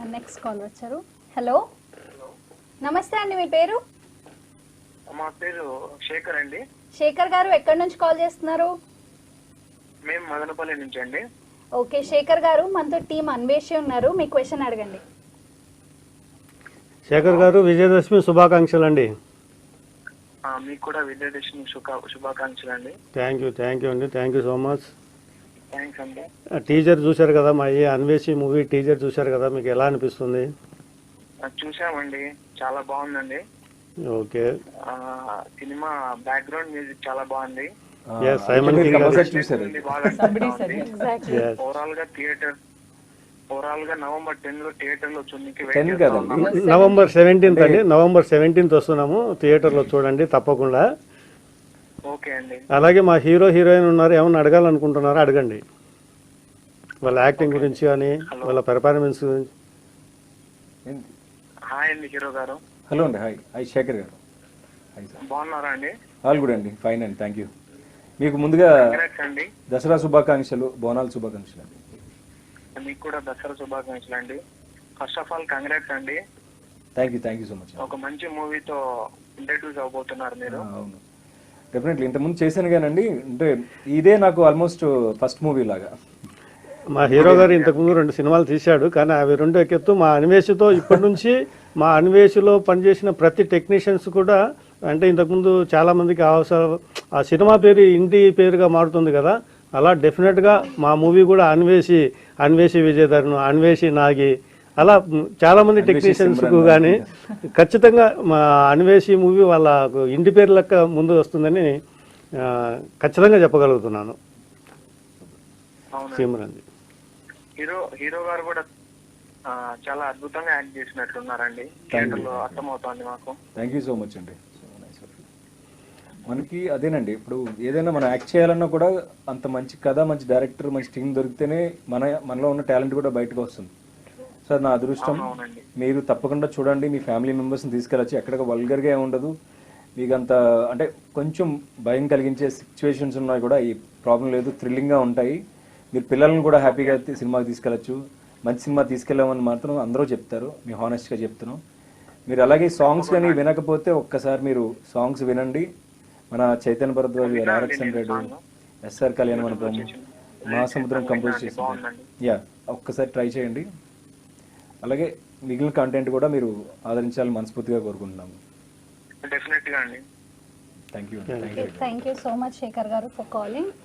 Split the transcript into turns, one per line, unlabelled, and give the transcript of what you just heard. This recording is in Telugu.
మన నెక్స్ట్ కాల్ వచ్చారు. హలో, నమస్తే అండి, మీ పేరు?
మా పేరు శేఖర్ అండి.
శేఖర్ గారు ఎక్కడి నుంచి కాల్ చేస్తున్నారు?
మేము మదనపల్లి నుంచి అండి.
ఓకే శేఖర్ గారు, మనతో టీం అన్వేషి ఉన్నారు, మీ క్వశ్చన్ అడగండి.
శేఖర్ గారు, విజయదశమి శుభాకాంక్షలు అండి.
మీకు కూడా విజయదశమి శుభాకాంక్షలు అండి.
థ్యాంక్ యూ అండి, thank you so much.
Thanks అండి.
టీజర్ చూశారు కదా, మా ఈ అన్వేషి మూవీ టీజర్ చూశారు కదా, మీకు ఎలా అనిపిస్తుంది?
చూసామండి, చాలా బాగుందండి.
ఓకే,
సినిమా బ్యాక్గ్రౌండ్ మ్యూజిక్ చాలా బాగుంది.
సైమన్ కింగ్ గారు
ఓవరాల్ గా నవంబర్ 10 లో థియేటర్ లో
నవంబర్ 17th అండి, నవంబర్ 17th వస్తున్నాము, థియేటర్ లో చూడండి తప్పకుండా.
ఓకే అండి.
అలాగే మా హీరో హీరోయిన్ ఉన్నారు, ఏమన్నా అడగాలనుకుంటున్నారా అడగండి, వాళ్ళ యాక్టింగ్ గురించి కానీ వాళ్ళ పెర్ఫార్మెన్స్ గురించి.
హాయ్ అండి హీరో గారు.
హలో అండి. హాయ్ శేఖర్ గారు.
బాగున్నారా అండి?
ఆల్ గుడ్ అండి, ఫైన్ అండి, థ్యాంక్ యూ. మీకు ముందుగా
అండి
దసరా శుభాకాంక్షలు, బోనాల శుభాకాంక్షలు అండి.
మీకు కూడా దసరా శుభాకాంక్షలు అండి. ఫస్ట్ ఆఫ్ ఆల్ కంగ్రాట్స్ అండి.
Thank you so much.
ఒక మంచి మూవీతో ఇంట్రడ్యూస్ అవబోతున్నారు మీరు.
అవును, డెఫినెట్లీ. ఇంతకుముందు చేశాను కానండి, అంటే ఇదే నాకు ఆల్మోస్ట్ ఫస్ట్ మూవీ లాగా.
మా హీరో గారు ఇంతకుముందు 2 సినిమాలు తీశాడు, కానీ అవి 2 ఎక్కెత్తు. మా అన్వేషితో ఇప్పటి నుంచి మా అన్వేషిలో పనిచేసిన ప్రతి టెక్నీషియన్స్ కూడా, అంటే ఇంతకుముందు చాలామందికి ఆ సినిమా పేరు ఇంటి పేరుగా మారుతుంది కదా, అలా డెఫినెట్గా మా మూవీ కూడా అన్వేషి విజయధరను, అన్వేషి నాగి, అలా చాలామంది టెక్నీషియన్స్కు కానీ ఖచ్చితంగా మా అన్వేషి మూవీ వాళ్ళ ఇంటి పేరు లెక్క ముందు వస్తుందని ఖచ్చితంగా చెప్పగలుగుతున్నాను. సిమ్రన్
హీరో గారు కూడా చాలా అద్భుతంగా యాక్ట్ చేసినట్లున్నారండి, థియేటర్లో అర్థమవుతోంది మాకు.
థ్యాంక్ యూ సో మచ్ అండి. మనకి అదేనండి, ఇప్పుడు ఏదైనా మనం యాక్ట్ చేయాలన్నా కూడా అంత మంచి కథ, మంచి డైరెక్టర్, మంచి టీం దొరికితేనే మనలో ఉన్న టాలెంట్ కూడా బయటకు వస్తుంది. సార్ నా అదృష్టం, మీరు తప్పకుండా చూడండి, మీ ఫ్యామిలీ మెంబర్స్ని తీసుకెళ్ళచ్చు. ఎక్కడ వల్గర్గా ఉండదు, మీకు అంత అంటే కొంచెం భయం కలిగించే సిచ్యువేషన్స్ ఉన్నాయి కూడా ఈ ప్రాబ్లం లేదు, థ్రిల్లింగ్గా ఉంటాయి. మీరు పిల్లల్ని కూడా హ్యాపీగా సినిమాకి తీసుకెళ్ళచ్చు. మంచి సినిమా తీసుకెళ్ళామని మాత్రం అందరూ చెప్తారు, మీ హానెస్ట్గా చెప్తున్నాం. మీరు అలాగే సాంగ్స్ కానీ వినకపోతే ఒక్కసారి మీరు సాంగ్స్ వినండి. మన చైతన్య భరద్వాజ్ గారు, RX 100, SR కళ్యాణ మండపం, మహాసముద్రం కంపోజ్ చేసింది. ఒక్కసారి ట్రై చేయండి. అలాగే మిగిలిన కంటెంట్ కూడా మీరు ఆదరించాలని మనస్ఫూర్తిగా కోరుకుంటున్నాము.
డెఫినెట్గా అండి.
Thank you
so much Shekhar గారు ఫర్ కాలింగ్.